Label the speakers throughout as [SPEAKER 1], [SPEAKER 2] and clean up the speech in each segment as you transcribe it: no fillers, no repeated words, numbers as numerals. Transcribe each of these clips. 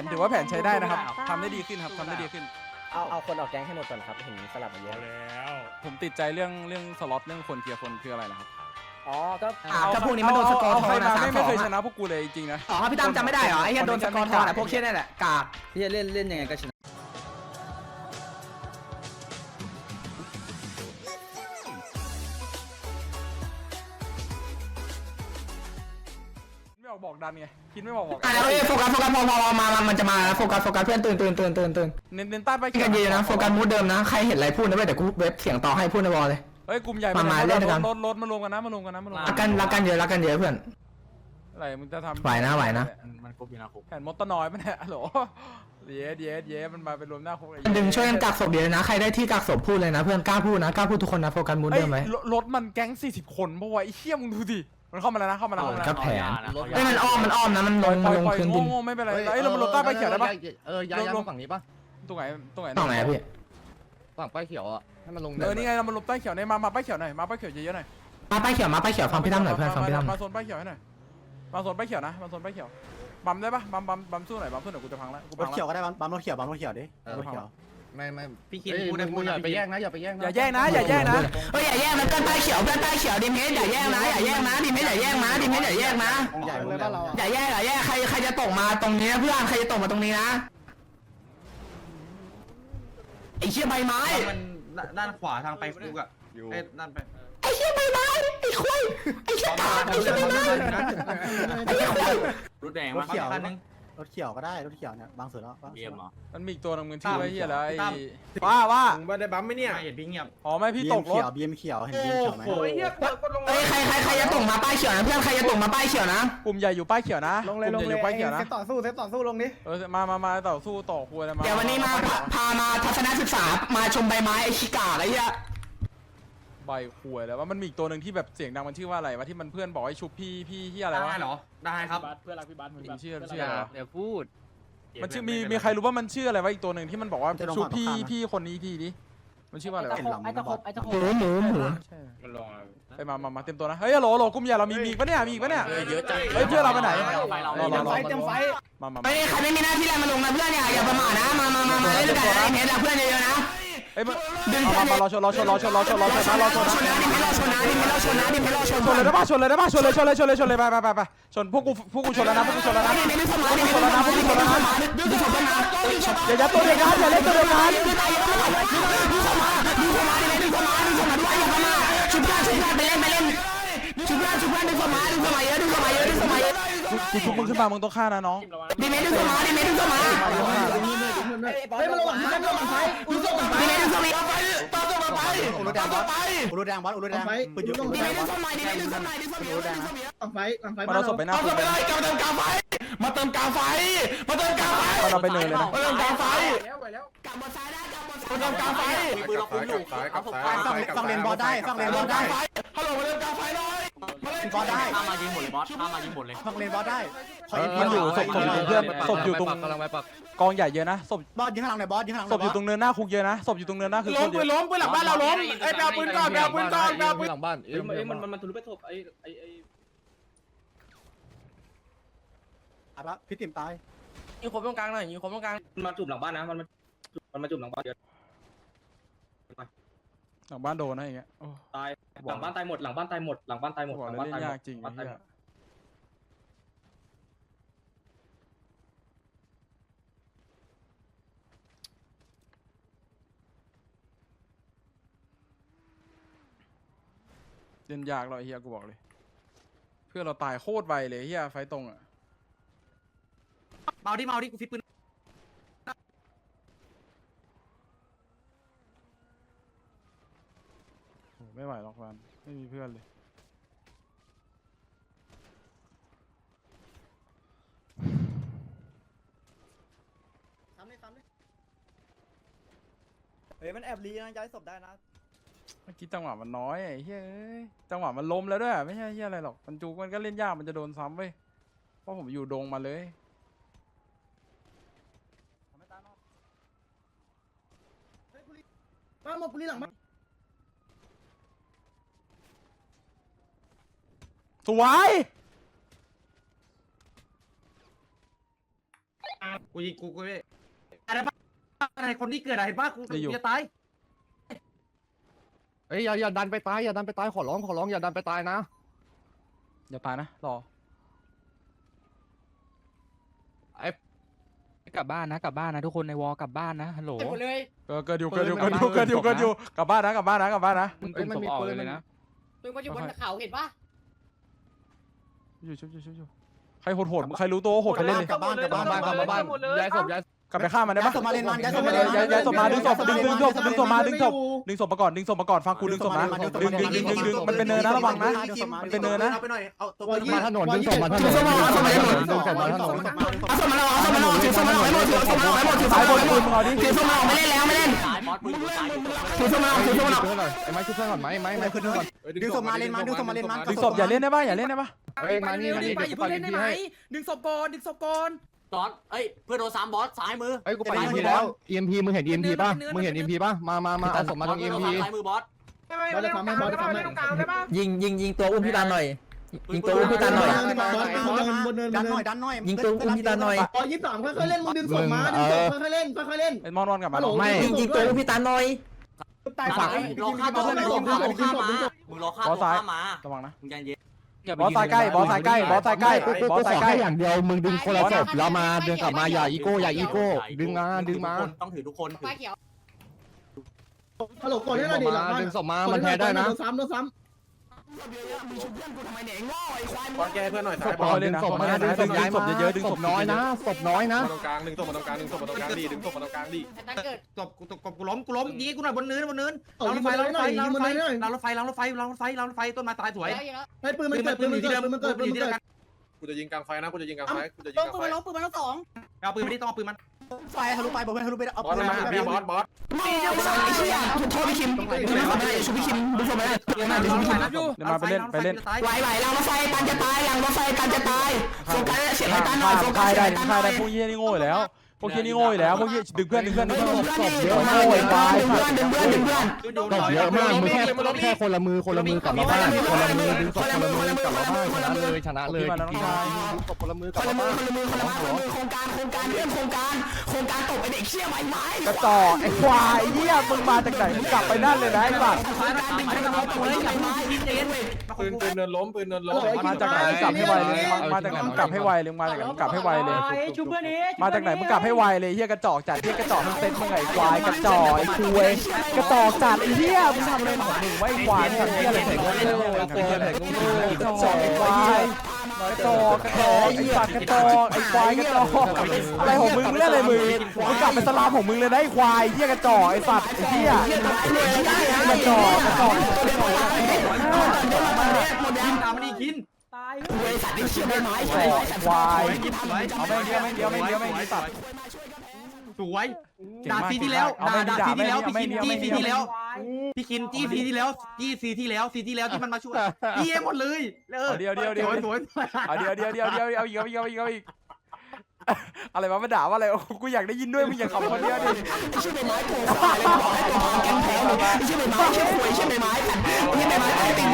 [SPEAKER 1] นถือว่าแผนใช้ได้นะครับทำได้ดีขึ้นครับทำได้ดีขึ้น
[SPEAKER 2] เอาคนออกแก๊งให้หมดก่อนครับเห็นสลับมาเยอะ
[SPEAKER 3] แล้ว
[SPEAKER 1] ผมติดใจเรื่องสล็อตเรื่องคนเคลียร์คนคืออะไรนะครับ
[SPEAKER 2] อ๋อก็
[SPEAKER 4] ถ้าพวกนี้มันโดนสกอร์ท
[SPEAKER 1] ใค
[SPEAKER 4] อ
[SPEAKER 1] ร
[SPEAKER 4] นนะ
[SPEAKER 1] มา
[SPEAKER 4] 3-2
[SPEAKER 1] ไม่เคยชนะพวกกูเลยจริงๆนะ
[SPEAKER 4] อ๋อพี่ตั้มจำไม่ได้เหรอไอ้เหี้ยโดนสกอร์ทอนอ่ะพวกเชี่ยนี่แหละกาก
[SPEAKER 5] พี่จะเล่นยังไงก็ชนะ
[SPEAKER 1] ไม่ออกบอกดันไงคิดไม่บอก
[SPEAKER 4] อ่ะแล้วโฟกัสพอมามันจะมาโฟกัสเพื่อนตื่น
[SPEAKER 1] เน้นใต้ไป
[SPEAKER 4] กันยืนนะโฟกัสมูดเดิมนะใครเห็นอะไรพูดนะเว้ยเดี๋ยวกูเว็บเสียงต่อให้พูดในวอลเลย
[SPEAKER 1] เฮ้ยกลุ่มใหญ่รถมารวมกันนะ
[SPEAKER 4] รักกันเยอะเพื่อน
[SPEAKER 1] อะไรมึงจะทำ
[SPEAKER 4] ไหวนะ
[SPEAKER 3] มันครบอยู่นะครบ
[SPEAKER 1] แผนมดตะนอยปะเนี่ยโหลเย้มันมาเป็นรวมหน้าคุก
[SPEAKER 4] ดึงช่วยกันกักศพเดียวนะใครได้ที่กักศพพูดเลยนะเพื่อนกล้าพูดทุกคนนะโฟกัสมูดเดิมไหม
[SPEAKER 1] รถมันแก๊ง40 คนปะวะไอ้เหี้ยมึงดูดิมันเข้ามาแล้วนะ
[SPEAKER 4] ก็แผนไอ้มันอ้อมนะมันลงพื้นดิน
[SPEAKER 1] โง่ไม่เป็นไรไอ้เราลงใต้ไปเขียวได้ปะ
[SPEAKER 6] ย้ายมาฝั่งนี้ปะ
[SPEAKER 1] ตรงไหน
[SPEAKER 4] ตรงไหนพี่
[SPEAKER 6] ฝั่งป้ายเขียวอ่ะให้มันลง
[SPEAKER 1] นี่ไงเรามาลงใต้เขียวในมาป้ายเขียวหน่อยมาป้ายเขียวเยอะๆหน่อย
[SPEAKER 4] มาป้ายเขียวฟังพี่ตั้มหน่อยเพื่อนฟังพี่ตั้ม
[SPEAKER 1] มาโซนป้ายเขียวให้หน่อยมาโซนป้ายเขียวนะมาโซนป้ายเขียวบัมได้ปะบัมสู้หน่อยบัมสู้หน่อยกูจะพังแล้วกู
[SPEAKER 7] ร
[SPEAKER 1] พั
[SPEAKER 7] ถ
[SPEAKER 1] ง
[SPEAKER 7] เขียว
[SPEAKER 1] แล้ว
[SPEAKER 7] ก็ได้บัมรถเขียวดิรถเขียว
[SPEAKER 6] ไม่
[SPEAKER 5] พี่คิด
[SPEAKER 6] พูดอย่าไปแย่งนะอย่าไปแย่งนะ
[SPEAKER 1] อย่าแย่งนะอย่าแย่งนะ
[SPEAKER 4] เฮ้ยอย่าแย่งนะเพื่อนป้ายเขียวดิมเฮดอย่าแย่งนะดิมเฮดอย่าแย่งนะ
[SPEAKER 7] ใหญ่เลยบ้านเรา
[SPEAKER 4] อย่าแย่งใครจะตกมาตรงนี้นะเพื่อนใครจะตกมาตรงนี้นะไอ้เชี่ยใบไม้
[SPEAKER 5] มันด้านขวาทางไปฟุกอ่ะด้านไป
[SPEAKER 4] ไอ้เชี่ยใบไม้ไอ้ควายไอ้เชี่ยตาไอ้เชี่ยใบไม้ไอ้ควาย
[SPEAKER 5] รถแดง
[SPEAKER 7] ร
[SPEAKER 5] มา
[SPEAKER 7] ถเขียว
[SPEAKER 5] คันนึง
[SPEAKER 7] รถเขียวก็ได้รถเขียวเนี่ยบางส่วนแล้ว
[SPEAKER 5] เบียมเหรอ
[SPEAKER 1] มันมีอีกตัวนึงมันชื่อไอ้เหี้ยแล้วไอ้
[SPEAKER 3] ว่ามึงไม่ได้บัมไหมเนี่ย
[SPEAKER 5] เห็นพี่เงียบ
[SPEAKER 1] อ๋อไม่พี่ตกรถ
[SPEAKER 7] บีเอ็มเขียวเห็นบีเอ็มเขียวไหม
[SPEAKER 3] โอ้ยเฮียกดลง
[SPEAKER 4] เฮ้ยใครจะตกมาป้ายเขียวนะเพื่อนใครจะตกมาป้ายเขียวนะ
[SPEAKER 1] กลุ่มใหญ่อยู่ป้ายเขียวนะกลุ่มใหญ่อยู่ป้ายเขียวนะ
[SPEAKER 3] ต่อสู้ลงดิ
[SPEAKER 1] มาต่อสู้ต่อคุยอะไรมา
[SPEAKER 4] เดี๋ยววันนี้มาพามาทัศนศึกษามาชมใบไม้ไอ้ชิกาไอ้เหี้ย
[SPEAKER 1] ใบคุยแล้วว่ามันมีอีกตัวหนึ่งที่แบบเสียงดังมันชื่อว่าอะไรวะที่มันเพื่อนบอกให้ชุบพี่ที่อะไรวะ
[SPEAKER 5] ได้เหรอได้ครับ
[SPEAKER 3] เพื่อนรักพี่บัสเหมือน
[SPEAKER 1] มันชื่ออะไรวะ
[SPEAKER 6] เดี๋ยวพูด
[SPEAKER 1] มันชื่อมีใครรู้ว่ามันชื่ออะไรวะอีกตัวหนึ่งที่มันบอกว่าชุบพี่คนนี้ทีนี้มันชื่อว่าอะไรวะ
[SPEAKER 2] ไอ้ตะคบ
[SPEAKER 4] หมู
[SPEAKER 1] ใช่
[SPEAKER 3] มันรอ
[SPEAKER 1] ไปมาเต็มตัวนะเฮ้ยโหลกลุ่มใหญ่เรามีอีกปะเนี่ยมีอีกปะเนี่ย
[SPEAKER 6] เยอะจัง
[SPEAKER 1] เฮ้ยเพื่อนเราไปไหน
[SPEAKER 3] เต็มไฟ
[SPEAKER 1] มา
[SPEAKER 4] เฮ้ยใครไม่มีหน้าที่อะไรมาลงนะเพื่อนอย่าประมาทนะมาเล่นกันนะเห็นเพื่อนเยอะๆนะ
[SPEAKER 1] เฮ้ยมารอชนนะ
[SPEAKER 4] ชนนะดิไม่รอชน
[SPEAKER 1] เลยได้ป่ะชนเลยไปชนพวกกูชนแล้วนะอย่ายัดตัวเดียวกันอย่าเล่นตัวเดียวกัน
[SPEAKER 4] ชุบเพื่อนไปเล่นชุบเพื่อนดึงเข้ามาเยอะ
[SPEAKER 1] กูชุบมึงขึ้นมามึงต้องฆ่านะน้อง
[SPEAKER 4] ดิเมดึงเข้ามา
[SPEAKER 7] เฮ้ยมันลงหลังไฟอุ้ยส่งหลังไฟ
[SPEAKER 4] ดิเมดึงเข้ามา
[SPEAKER 7] อุรุแดงบอสอุรุแดงปืนยุบอุรุ
[SPEAKER 4] ดิ
[SPEAKER 7] แด
[SPEAKER 4] เม
[SPEAKER 7] งบ
[SPEAKER 4] ดึ
[SPEAKER 7] อง ส
[SPEAKER 4] เข้ามาดิเมดึงเข้ามา
[SPEAKER 1] มันเราศพไปหน้าคุก
[SPEAKER 4] มาเติมกาไฟ
[SPEAKER 1] เราไปเนินเลยนะ
[SPEAKER 4] มาเติมกาไฟ
[SPEAKER 3] แล้วไปแล้ว
[SPEAKER 4] กลับมาซ้ายได้มาเติมกาไฟ
[SPEAKER 6] ปืนเราคุ้มอยู่เอาผมไป
[SPEAKER 7] ฟังเลนบอสได้ฟังเลนบอสได้
[SPEAKER 4] ฮัลโหลมาเติมกาไฟหน่อย
[SPEAKER 7] บอสได้
[SPEAKER 5] ข้ามายิงหมดเลยบอสข้ามายิงหมดเลย
[SPEAKER 7] ฟังเลนบอสได้
[SPEAKER 1] มันอยู่ศพอยู่เพื่อนศพอยู่ตรง
[SPEAKER 6] กำลังไปปัก
[SPEAKER 1] กองใหญ่เยอะนะศพ
[SPEAKER 7] บอสยิงข้างหลังหน่อยบอสยิงข้างหลัง
[SPEAKER 1] ศพอยู่ตรงเนินหน้าคุกเยอะนะศพอยู่ตรงเนินหน้าคือคนเยอะ
[SPEAKER 3] ปืนหลังบ้านเราล้มไอ้แปลปืนก่อนแปลปืนก่อนแปลปืน
[SPEAKER 6] หลังบ้าน
[SPEAKER 5] มันทะลุไปศพไอ้
[SPEAKER 7] อ่ะพี่ติ๋มตาย
[SPEAKER 5] ยิงคมตรงกลางหน่อยยิงคมตรงกลางมาจุบหลังบ้านนะมันมาจุบหลังบ้านเยอะ
[SPEAKER 1] หลังบ้านโดนนะอย่างเงี้ย
[SPEAKER 5] ตายหลังบ้านตายหมดหลังบ้านตายหมดหลังบ้านตายหมด
[SPEAKER 1] บอก
[SPEAKER 5] หลัง
[SPEAKER 1] เลย
[SPEAKER 5] บ้าน
[SPEAKER 1] เล่
[SPEAKER 5] ตายหม
[SPEAKER 1] นยาก
[SPEAKER 5] ด
[SPEAKER 1] จริง
[SPEAKER 5] บ้านตายหมด
[SPEAKER 1] เล่นยากเราไอ้เฮียกูบอกเลยเพื่อเราตายโคตรไวเลยเฮียไฟตรงอ่ะ
[SPEAKER 5] เมาดิกูฟิตปืน
[SPEAKER 1] ไม่ไหวหรอกวันไม่มีเพื่อนเลย
[SPEAKER 7] เฮ้ยมันแอบลีนะย้ายศพได้นะ
[SPEAKER 1] เมื่อกี้จังหวะมันน้อยไอ้เฮ้ยจังหวะมันล้มแล้วด้วยไม่ใช่เฮียอะไรหรอกมันจูมันก็เล่นยากมันจะโดนซ้ำเว้ยเพราะผมอยู่ดงมาเลย
[SPEAKER 7] มาหมดปุรีหลังมา
[SPEAKER 1] สวย
[SPEAKER 5] กูยิงกูอะไรปะอะไรคนที่เกิดอะไรปะกูจะตาย
[SPEAKER 6] เอ้ยอย่าดันไปตายอย่าดันไปตายขอร้องอย่าดันไปตายนะ
[SPEAKER 1] อย่าตายนะรอ
[SPEAKER 8] กลับบ้านนะกลับบ้านนะทุกคนในวอลกลับบ้านนะฮัลโหล
[SPEAKER 2] หมดเลย
[SPEAKER 1] เกิดอยู่กลับบ้านนะกลับบ้านนะ
[SPEAKER 8] มึงกลุ่มศพออกเลยนะ
[SPEAKER 2] ปืนมันอยู่บนเขาเห็นปะ
[SPEAKER 1] อยู่ใครโหดใครรู้ตัวโหดกันเล่นเลย
[SPEAKER 6] กลับบ้านย้ายศพ
[SPEAKER 1] กลับไปฆ่ามันได้ปะ
[SPEAKER 7] ย้ายศพมาเล่นมันย้ายศพมา
[SPEAKER 1] ย้ายศพมาดึงศพมาก่อนฟังกูดึงศพมาดึงมันเป็นเนินนะระวังนะมันเป็นเนินนะ
[SPEAKER 7] เอาไปหน่อยเอาตัว
[SPEAKER 6] มาถนนดึงศพมาถนนดึงศพมาถนน
[SPEAKER 4] เอาสมมาเราเอาสมมาเราถือสมมาเราให้หมดถือสมมาเราให้หมดถือสม
[SPEAKER 1] สาย
[SPEAKER 4] มา
[SPEAKER 1] บ
[SPEAKER 4] เรา
[SPEAKER 1] น
[SPEAKER 4] ให้หม
[SPEAKER 1] ปื
[SPEAKER 4] ด
[SPEAKER 1] นมึงเอาดิ
[SPEAKER 4] ถือสมมาเราไม่เล่นแล้วไม่เล่นถือสมมาเราถือสมมาเรา
[SPEAKER 6] ไอ้ไม้ขึ้นเพื่อนก่อนไม้ขึ้นเพื่อนก่อน
[SPEAKER 7] ดึงศพมาเล่นมันดึงศพมาเล่นมัน
[SPEAKER 1] ดึงศพอย่าเล่นได้ปะอย่าเล่นได้ปะ
[SPEAKER 6] เอ้ยมานี่เดี๋ยวกูไปยิงทีให้
[SPEAKER 2] ดึงศพก่อน
[SPEAKER 5] บอสเอ้ยเพื่อนโดน3บอสซ้ายมือ
[SPEAKER 6] เอ้ยกูไปยิงทีแล้ว EMP มึงเห็น EMP ป่ะมึงเห็น EMP ป่ะมาเอาศพมาตรง EMP
[SPEAKER 5] ซ้ายมือบอส
[SPEAKER 3] บอสจะทำให้บอสจะทำให้
[SPEAKER 2] ยิงตัวอุ้มพี่ตาหน่อยยิงตัวอุ้มพี่ตาหน่อย
[SPEAKER 3] บนเนิน
[SPEAKER 7] ดันหน่อยดันหน่อย
[SPEAKER 2] ยิงตัวอุ้มพี่ตาหน่อย
[SPEAKER 3] อ๋อ23ค่อยๆเล่นมึงดึงศพมาดึงศพค่อยๆเล่นค่อยๆเล่น
[SPEAKER 1] ไอ้มอนกลับมา
[SPEAKER 3] ไม่
[SPEAKER 2] ยิงตัวอุ้มพี่ตาหน่อย
[SPEAKER 3] ตายฝั่ง
[SPEAKER 5] รอฆ่าตัวมึงรอฆ่าตัวมามึงรอฆ่าตัวมา
[SPEAKER 1] ระวังนะ
[SPEAKER 5] มึงใจเย็น
[SPEAKER 1] บอสสายใกล้กูขอแค่อย่างเดียว
[SPEAKER 6] มึงดึงคนละศพแล้วมาเดินกลับมาอย่าอีโก้ดึงมา
[SPEAKER 5] ต้องถือทุกคน
[SPEAKER 2] ไฟเขียว
[SPEAKER 3] ฮัลโหลกดให้หน่อยดิหลังบ้าน
[SPEAKER 6] ดึงศพมามันแพ้ได้นะ
[SPEAKER 3] โดนซ้ำ
[SPEAKER 7] บอลแกเพื่อนหน่อย
[SPEAKER 6] ศพก่อนดึงศพมาดึงศพย้ายมาดึงศพน้อยนะศพน้อยนะ
[SPEAKER 3] ตรงกลางดึงศพมาตรงกลางดึงศพมาตรงกลางดีดึงศพมาตรงกลางดี
[SPEAKER 2] ตั้งเกิด
[SPEAKER 5] กูล้มยิงกูหน่อยบนเนิน
[SPEAKER 3] เอายิงมาหน่อยยิงมาหน่อย
[SPEAKER 5] รางรถไฟต้นไม้ตายสวย
[SPEAKER 3] ให้ปืนมันเกิดปืนมันเกิดปืนมันเกิดปืนมันเกิด
[SPEAKER 6] กูจะยิงกลางไฟนะกูจะยิงกลางไฟกูจะยิง
[SPEAKER 2] ต้อง
[SPEAKER 6] กลาง
[SPEAKER 2] ปื
[SPEAKER 6] ไฟ
[SPEAKER 2] นมันล้มปืนมันล้มสอง
[SPEAKER 5] เอาปืนมาดิต้องเอาปืนมัน
[SPEAKER 7] ไฟทะลุไปบอกเพื่อนทะลุไปเอา
[SPEAKER 6] บอสมาพี่บอส
[SPEAKER 4] ไม่เดี๋ยวไอ้เชี่ยโทษพี่คิมชุบพี่คิมดูสมัยนั้นดูพี่คิม
[SPEAKER 1] เดี๋ยวมาไปเล่น
[SPEAKER 4] ไหวหลังรถไฟกันจะตายหลังรถไฟกันจะตายโฟกัสเสียงให้กันหน่อยโฟกั
[SPEAKER 1] ฆ่า
[SPEAKER 4] ส
[SPEAKER 1] ได้พวกเหี้ยนี่โง่อยู่แล้วพวกเหี้ยนี่โง่อยู่แล้วพวกเหี้ยดึงเพื่อน
[SPEAKER 4] ดึงเพื่อนเยอะมากดึงเพื่อน
[SPEAKER 6] ตบเยอะมากมึงแค่คนละมือกลับมาบ้านคนละมือดึงศพคนละมือกลับมาบ้านชนะเลยดึงศพคนละมือกลับมาบ้าน
[SPEAKER 4] โครงการเรื่องโครงการตบไอเด็กเชี่ยไม้
[SPEAKER 1] กระจอกไอ้ควายเหี้ยมึงมาจากไหนมึงกลับไปนั่นเลยนะไอ้สัตว์
[SPEAKER 6] ปืนเนินล้ม
[SPEAKER 1] มาจากไหนมึงกลับให้ไวเลยมาจากไหนมึงกลับให้ไวเลยมาจากไหนมึงกลับให้ไวเลย
[SPEAKER 2] ชูเพื่อนนี้
[SPEAKER 1] มาจากไหนมึงกลับให้ไวเลยเหี้ยกระจอกจัดเหี้ยกระจอกทั้งเซ็ตมึงไอ้ควายกระจอกไอ้คุยกระจอกจัดไอ้เหี้ยมึงทำอะไรของมึงไว้ควายทำเหี้ยอะไรของมึงกระจอกไอ้ควายกระจอกไอ้สัตว์กระจอกไอ้ควายกระจอกอะไรของมึงเรื่องอะไรมึงกลับไปสลามของมึงเลยนะไอ้ควายเหี้ยกระจอกไอ้สัตว์ไอ้เหี้ยกระจอก
[SPEAKER 5] คินตามมันดีคิน
[SPEAKER 1] ควายเอาไม่เดียวไม่ตัด
[SPEAKER 5] สวยด่าซีที่แล้วด่าซีที่แล้วพี่คินจี้ซีที่แล้วพี่คินจี้ซีที่แล้วจี้ซีที่แล้วซีที่แล้วที่มันมาช่วยพี่หมดเลย
[SPEAKER 1] เดียว
[SPEAKER 5] สวย
[SPEAKER 1] เอาเดียวเอาอีกอะไรวะมาด่าว่าอะไรกูอยากได้ยินด้วยมึงอย่าขำคนเดียวดิ
[SPEAKER 4] ชื่อใบไม้โผล่แกงแพ้เลยชื่อใบไม้ชื่อหวยชื่อใบไม้กันนี่ใบไม้ไอ้ติ่ง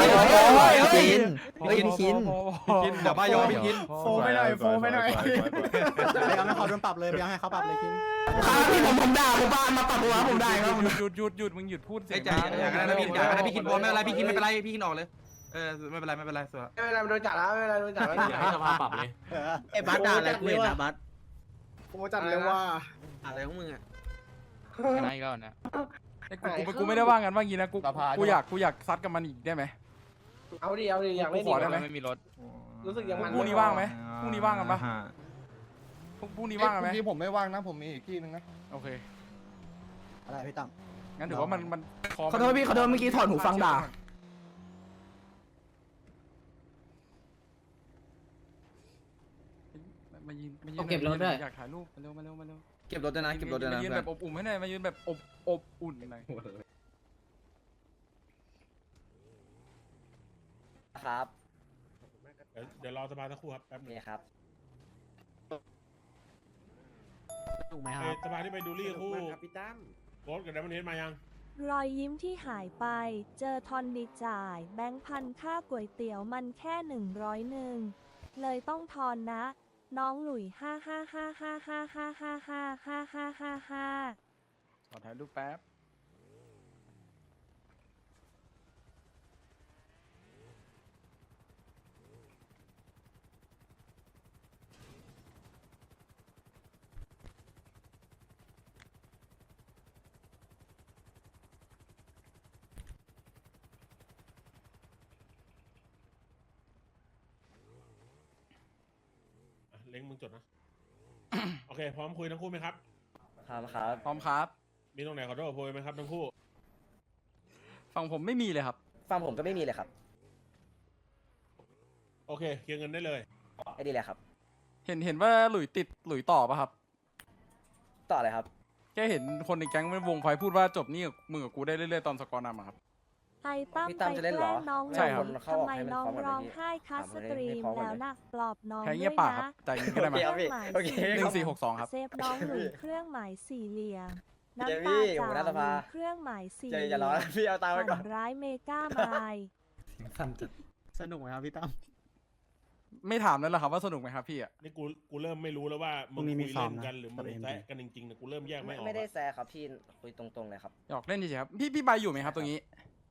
[SPEAKER 2] กิน
[SPEAKER 5] เดี๋ยวบ้ายอพี่คิน
[SPEAKER 3] โฟไปหน่อยโฟไปหน่อย
[SPEAKER 7] ไปเอาให้เขาโดนปรับเลยไปเอาให้เขาปรับเลยคิน
[SPEAKER 4] ผมด่าผมบ้านมาปัดหัวผมได้ครับ
[SPEAKER 1] หยุดมึงหยุดพูดเสี
[SPEAKER 5] ไอ้
[SPEAKER 1] ยง
[SPEAKER 5] ใจอย่างนั้นนะพี่คินบอลไม่เป็นไรพี่คินไม่เป็นไรพี่คินออกเลยไม่เป็นไรสวย
[SPEAKER 3] ไม่เป็นไรโดนจัดแล้วไม่เป็นไรโดนจัดแล้ว
[SPEAKER 5] อย่าให้สภาปรับเลย
[SPEAKER 2] ไอ้บัสด่าอะไรกูเห็นนะบัส
[SPEAKER 3] โฟจัดเลยว่า
[SPEAKER 5] อะไรของมึงอ่ะ
[SPEAKER 8] ชนะอีกแล้วนะ
[SPEAKER 1] กูไม่ได้ว่ากันว่างี้นะกูอยากซัดกับมันอีกได้ไหม
[SPEAKER 3] เอาดิอยากเล่น
[SPEAKER 1] ขอได้ไหม
[SPEAKER 8] ไม่มีรถ
[SPEAKER 3] รู้สึกยังมัน
[SPEAKER 1] พรุ่งนี้ว่างไหมพรุ่งนี้ว่างกันปะพรุ่งนี้ว่างกันไหม
[SPEAKER 6] ที่ผมไม่ว่างนะผมมีอีกที่นึงนะ
[SPEAKER 1] โอเค
[SPEAKER 7] อะไรพี่ตั้ม
[SPEAKER 1] งั้นถือว่ามัน
[SPEAKER 4] ขอโทษพี่ขอโทษเมื่อกี้ถอดหูฟังด่า
[SPEAKER 1] มายืนอยากถ่ายรูปมาเร็ว
[SPEAKER 5] เก็บรถด้วยนะเก็บรถด้วยนะ
[SPEAKER 1] มายืนแบบอบอุ่นให้หน่อยมายืนแบบอบอุ่นหน่อย
[SPEAKER 2] ครับ
[SPEAKER 6] เดี๋ยวรอสภาสักครู่ครับแป๊บนึง
[SPEAKER 2] นี่ครับ
[SPEAKER 8] ถูกไหมครับ
[SPEAKER 6] สภาที่ไปดูรี่คู่โค้ดกับดัมเบิลเฮดมายัง
[SPEAKER 9] รอยยิ้มที่หายไป เจอทอนดีจ่าย แบงค์พันค่าก๋วยเตี๋ยวมันแค่101เลยต้องทอนนะน้องหลุย55555555555
[SPEAKER 1] ขอถ่ายรูปแป๊บ
[SPEAKER 10] เล้งมึงจดนะ โอเคพร้อมคุยทั้งคู่ไหมครับ
[SPEAKER 2] ครับครับ
[SPEAKER 1] พร้อมครับ
[SPEAKER 10] มีตรงไหนขอโทษขอโพยไหมครับทั้งคู่
[SPEAKER 1] ฝั่งผมไม่มีเลยครับ
[SPEAKER 2] ฟังผมก็ไม่มีเลยครับ
[SPEAKER 10] โอเคเคลียร์เงินได้เลย
[SPEAKER 2] ไอ้ดีเลยครับ
[SPEAKER 1] เห็นว่าหลุยติดหลุยต่อป่ะครับ
[SPEAKER 2] ต่อเลยครับ
[SPEAKER 1] แค่เห็นคนในแก๊งมันวงไฟพูดว่าจบนี่กับมึงกับกูได้เรื่อยๆตอนสกอร์นำอะครับ
[SPEAKER 9] ไอ้ตั้ม
[SPEAKER 2] พี่
[SPEAKER 9] ไป
[SPEAKER 2] ตั้มจะเล่นเหรอ
[SPEAKER 9] แกล้งน้อง
[SPEAKER 1] ใช่ครับ
[SPEAKER 9] ทำไมน้องร้องไห้คัสตรีมแล้วนะปลอบน้อง
[SPEAKER 1] แค่
[SPEAKER 9] ด้
[SPEAKER 1] เงียบ
[SPEAKER 9] วย
[SPEAKER 1] ปากครั
[SPEAKER 9] นะ
[SPEAKER 1] บใจเย็นก็ได้ไหม
[SPEAKER 2] โอเค
[SPEAKER 1] 1462ครับ
[SPEAKER 9] เซฟน้องหลุยเครื่องหมายสี่เหลี่ยม
[SPEAKER 2] เจ
[SPEAKER 9] น้ำ
[SPEAKER 2] มี่
[SPEAKER 9] ตา
[SPEAKER 2] หัวห
[SPEAKER 9] จ่า
[SPEAKER 2] น้าสภา
[SPEAKER 9] เครื่องหมายสี่
[SPEAKER 2] เจ
[SPEAKER 9] เหลี่
[SPEAKER 2] อย่าร้อน
[SPEAKER 9] ยม
[SPEAKER 2] พี่เอาตังค์ไว้ก่
[SPEAKER 9] ฝั
[SPEAKER 2] อน
[SPEAKER 9] นร้ายเมกาไมล์
[SPEAKER 8] สนุกไหมครับพี่ตั้ม
[SPEAKER 1] ไม่ถามแล้วเหรอครับว่าสนุกไหมครับพี่อะ
[SPEAKER 10] นี่กูเริ่มไม่รู้แล้วว่ามึงคุยเล่นกันหรือมึงแซะกันจริงๆเนี่ยกูเริ่มแยกไม่ออก
[SPEAKER 2] ไม่ได้
[SPEAKER 10] อะ
[SPEAKER 2] แซะครับพี่คุยตรงๆเลยครับ
[SPEAKER 1] หยอกเล่นเฉยๆครับพี่ใบอยู่ไหมครับตรงนี้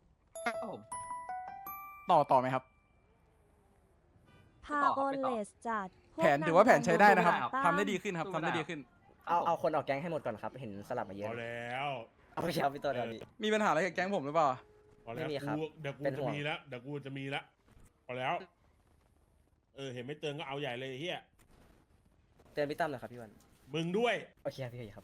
[SPEAKER 1] ต่อไหมครับ
[SPEAKER 9] พาโอเลสจัดพวก
[SPEAKER 1] แผนถือว่าแผนใช้ได้นะครับ
[SPEAKER 9] ตั้ม
[SPEAKER 1] ทำได้ดีขึ้นครับทำได้ดีขึ้น
[SPEAKER 2] เอาคนออกแก๊งให้หมดก่อนครับ เห็นสลับมาเย
[SPEAKER 10] พ
[SPEAKER 2] อะ
[SPEAKER 10] อแล้ว
[SPEAKER 2] เอาไปเช้าพี่ตัวเดียวดี
[SPEAKER 1] มีปัญหาอะไรกับแก๊งผมหรือเปล่า
[SPEAKER 10] พอแล้ว
[SPEAKER 2] ไม่มีครับ
[SPEAKER 10] เดี๋ยวกู
[SPEAKER 2] เป็นห่
[SPEAKER 10] จะ
[SPEAKER 2] วง
[SPEAKER 10] มีแล้วเดี๋ยวกูจะมีแล้วพอแล้ว เห็นไม่เตือนก็เอาใหญ่เลยไอ้เฮีย
[SPEAKER 2] เตือนพี่ตั้มหน่อยครับพี่วัน
[SPEAKER 10] มึงด้วย
[SPEAKER 2] โอเคครับพี่ครับ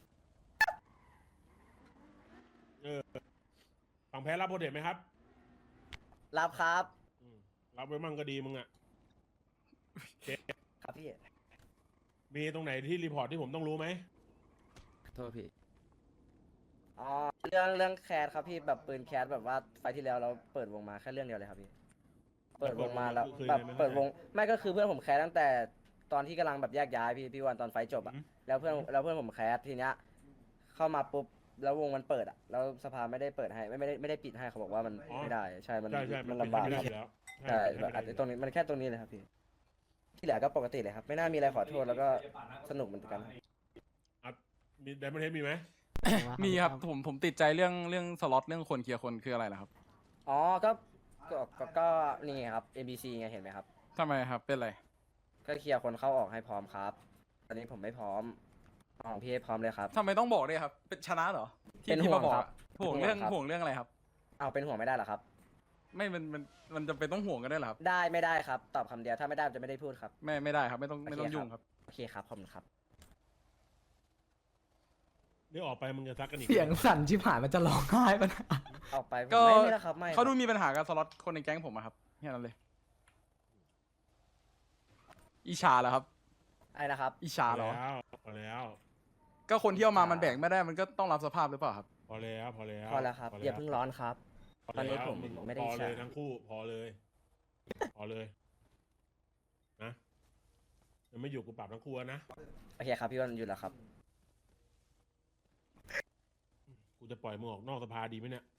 [SPEAKER 10] ฝั่งแพ้รับโปรเทคไหมครับ
[SPEAKER 2] รับครับ
[SPEAKER 10] รับไว้มั่งก็ดีมึงอ่ะ
[SPEAKER 2] ครับพี่
[SPEAKER 10] มีตรงไหนที่รีพอร์ตที่ผมต้องรู้ไหม
[SPEAKER 8] โทษพี่
[SPEAKER 2] อ๋อเรื่องแคสครับพี่แบบปืนแคสแบบว่าไฟที่แล้วเราเปิดวงมาแค่เรื่องเดียวเลยครับพี่ เปิดวงมาแล้วแบบเปิดวงไม่ก็คือเพื่อนผมแคสตั้งแต่ตอนที่กำลังแบบแยกย้ายพี่วันตอนไฟจบอ่ะแล้วเพื่อนผมแคสทีเนี้ยเข้ามาปุ๊บแล้ววงมันเปิดอ่ะแล้วสภาไม่ได้เปิดให้ไม่ได้ปิดให้เขาบอกว่ามันไม่ได้ใช่มัน
[SPEAKER 10] ใช่
[SPEAKER 2] มันลำบาก
[SPEAKER 10] ไม่
[SPEAKER 2] ค
[SPEAKER 10] ได้
[SPEAKER 2] รับ
[SPEAKER 10] อยู่แล้ว
[SPEAKER 2] ใช่แบบอาจจะตรงนี้มันแค่ตรงนี้เลยครับพี่ที่เหลือก็ปกติเลยครับไม่น่ามีอะไรขอโทษแล้วก็สนุกเหมือนกัน
[SPEAKER 10] มีไดมอนเทสมีไหม
[SPEAKER 1] มีครับผมติดใจเรื่องสล็อตเรื่องคนเคลียร์คนคืออะไรล่ะครับ
[SPEAKER 2] อ๋อก็นี่ไงครับ NBC ไงเห็นไหมครับ
[SPEAKER 1] ทำไมครับเป็นไร
[SPEAKER 2] ก็เคลียร์คนเข้าออกให้พร้อมครับตอนนี้ผมไม่พร้อมของพี่ให้พร้อมเลยครับ
[SPEAKER 1] ทำไมต้องบอกด้วยครับเป็นชนะเหรอที่
[SPEAKER 2] เป็น
[SPEAKER 1] ที่
[SPEAKER 2] ห่ว
[SPEAKER 1] มาง บอก
[SPEAKER 2] ครับ
[SPEAKER 1] อะห่วง
[SPEAKER 2] เป็นห่วง
[SPEAKER 1] เรื่อง
[SPEAKER 2] ครับ
[SPEAKER 1] ห่วงเรื่องอะไรครับ
[SPEAKER 2] เอาเป็นห่วงไม่ได้เหรอครับ
[SPEAKER 1] ไม่มันจะเป็นต้องห่วงกันได้วยเหรอครับ
[SPEAKER 2] ได้ไม่ได้ครับ ตอบคำเดียวถ้าไม่ได้จะไม่ได้พูดครับ
[SPEAKER 1] ไม่ได้ครับไม่ต้องยุ่งครับ
[SPEAKER 2] โอเคครับขอบคุณครับ
[SPEAKER 10] นี่ออกไปมึงจะซักกันอีก
[SPEAKER 4] เสียงสั่นชิบหายมันจะร้องไห้ปะ
[SPEAKER 2] ออกไปผม
[SPEAKER 1] ก็
[SPEAKER 2] ไม่แล้วครับไม่
[SPEAKER 1] เขาดูมีปัญหากับสล็อตคนในแก๊งผมอะครับแค่นั้นเลยอิชาเหรอครับ
[SPEAKER 2] ไอ้นะครับ
[SPEAKER 1] อิชาเหรอ
[SPEAKER 10] พอแล้ว
[SPEAKER 1] ก็คนที่เอามามันแบ่งไม่ได้มันก็ต้องรับสภาพหรือเปล่าครับ
[SPEAKER 10] พอแล้ว
[SPEAKER 2] พอแล้วครับอย่าเพิ่งร้อนครับ ตอนนี้ผมไม่ได้
[SPEAKER 10] พอเลย
[SPEAKER 2] ใช้
[SPEAKER 10] ทั้งคู่พอเลยนะยังไม่อยู่กูปรับทั้งคู่นะ
[SPEAKER 2] โอเคครับพี่วันอยู่แล้วครับ
[SPEAKER 10] กูจะปล่อยมึงออกนอกสภาดีไหมเนี่ย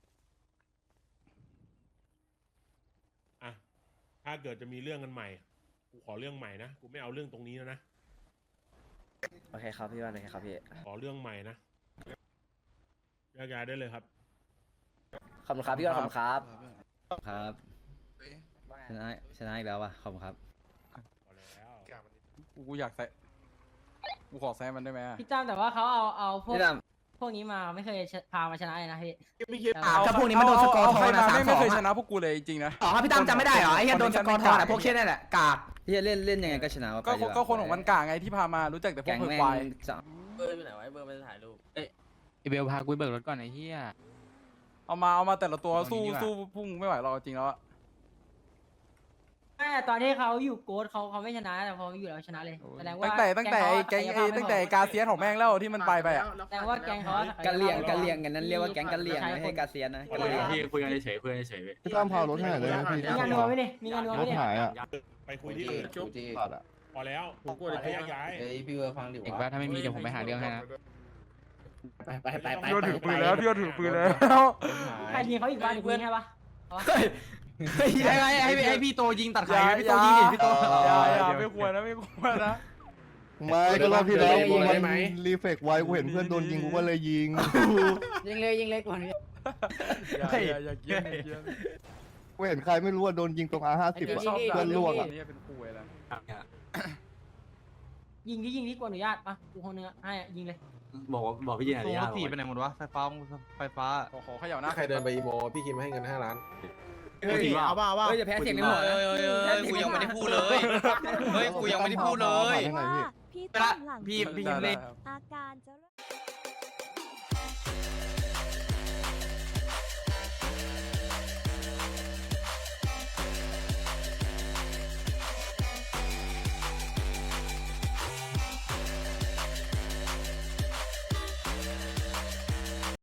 [SPEAKER 10] อ่ะถ้าเกิดจะมีเรื่องกันใหม่กูขอเรื่องใหม่นะกูไม่เอาเรื่องตรงนี้แล้วนะ
[SPEAKER 2] โอเคครับพี่วันโอเคครับพี่
[SPEAKER 10] ขอเรื่องใหม่นะแยกย้ายได้เลยครับ
[SPEAKER 2] ขอบคุณครับพี่วันขอบคุณครับ
[SPEAKER 8] ครับชนะอีกแล้วว่ะขอบคุณครับ
[SPEAKER 10] พอแล้ว
[SPEAKER 1] กูอยากใส่กูขอแซมมันได้ไหมอะ
[SPEAKER 11] พี่จ้ามแต่ว่าเขาเอาพวก
[SPEAKER 8] พี่ตั้ม
[SPEAKER 11] พวกนี้มาไม่เคยพามาชนะเลยนะพี่
[SPEAKER 4] ถ้าพวกนี้มันโดนสกอร์ทอง
[SPEAKER 1] ใคร
[SPEAKER 4] นะ
[SPEAKER 1] มา
[SPEAKER 4] 3-2
[SPEAKER 1] ไม่เคยชนะพวกกูเลยจริงๆนะ
[SPEAKER 4] อ๋อพี่ตั้มจำไม่ได้เหรอไอ้เหี้ยโดนสกอร์ทองอะพวกเช่นนั่นแหละกาก
[SPEAKER 8] พี่จะเล่นยังไงก็ชนะ
[SPEAKER 1] ก็คนของมันกลางไงที่พามารู้จักแต่พว
[SPEAKER 8] แก๊
[SPEAKER 1] ก
[SPEAKER 8] ง
[SPEAKER 1] เพื่อ
[SPEAKER 8] แม่
[SPEAKER 1] ควาย
[SPEAKER 8] งจะ
[SPEAKER 3] เบอร์ไปไหนวะเบอร์ไปถ่ายรูป
[SPEAKER 8] ไอเบลพากูเบิกรถก่อนไอ้เหี้ย
[SPEAKER 1] เอามาแต่ละตัว
[SPEAKER 8] ตรงนี้
[SPEAKER 1] สู้
[SPEAKER 8] ดีกว่า
[SPEAKER 1] พุ่งไม่ไหวหรอกจริงแล้วอะ
[SPEAKER 11] แต่ตอนที่เขาอยู่โกดเขาไม่ชนะแต่พออยู่แล้วชนะเลยแสดงว่า
[SPEAKER 1] ตั้งแต่ไอ้แก๊งไอ้ตั้งแต่ไอ้กาเซียนของแม่งแล้วที่มันไปอะ
[SPEAKER 11] แสดงว่าแก๊งเขา
[SPEAKER 8] กันเลียงกันนั้นเรียกว่าแก๊งกันเลียงไม่ให้กาเซียนนะ
[SPEAKER 10] พี่
[SPEAKER 8] คุยกันเฉยคุยกันเฉย
[SPEAKER 6] พี่ตั้มพารถให้หน่อยได้ไหมพี่
[SPEAKER 11] มีงานนัวไหมเนี่ยมีงานนัวไหม
[SPEAKER 6] รถ
[SPEAKER 11] เนี่ย
[SPEAKER 6] หายอ่ะ
[SPEAKER 10] ไปคุยที่อื่น
[SPEAKER 6] ตัดอ่ะ
[SPEAKER 10] พอแล้วกูจะแยกย้าย
[SPEAKER 8] พี่เบอร์ฟังดิอีกว่าถ้าไม่มีเดี๋ยวผมไปหาเรื่องให้นะ
[SPEAKER 1] พี่ว่าถือปืนแล้ว
[SPEAKER 11] ใครยิงเขาอีกบ้านอีกปืนใช่ปะ
[SPEAKER 5] ให้พี่โตยิงตัดขาพี่โตยิงดิพี่โต
[SPEAKER 1] อย่าไม่ควรนะไม่ควรนะ
[SPEAKER 6] ไม่ก็รอบที่แล้วกูมันรีเฟกไว้กูเห็นเพื่อนโดนยิงกูก็เลยยิง
[SPEAKER 11] ยิงเลยก่อน
[SPEAKER 1] อย่าเกี้ยนอย่าเกี้ยน
[SPEAKER 6] กูเห็นใครไม่รู้ว่าโดนยิงตรงR50
[SPEAKER 1] ช
[SPEAKER 6] อ่ะ
[SPEAKER 1] อบ
[SPEAKER 6] เพื่อนล่วงอ่ะ
[SPEAKER 1] นี่เป็นคุยแล้ว
[SPEAKER 11] ยิงที่กว่าอนุญาตปะกูคนนึงให้ยิงเลย
[SPEAKER 5] บอกพี่ยิงอะไรยากไปไหนหมดวะไฟฟ้า
[SPEAKER 1] ขอเขย่าหน้า
[SPEAKER 7] ใครเดินไปอีโมพี่คิมให้เงิน5 ล้าน
[SPEAKER 5] เฮ้ยเอาว่า
[SPEAKER 2] เฮ้ยจะแพ้เสียงในหัว
[SPEAKER 3] กูยังไม่ได้พูดเลยเฮ้ยกูยังไม่ได้พูดเลย
[SPEAKER 9] พี่ต้นหลัง
[SPEAKER 5] พี่เล่น
[SPEAKER 9] อาการจะ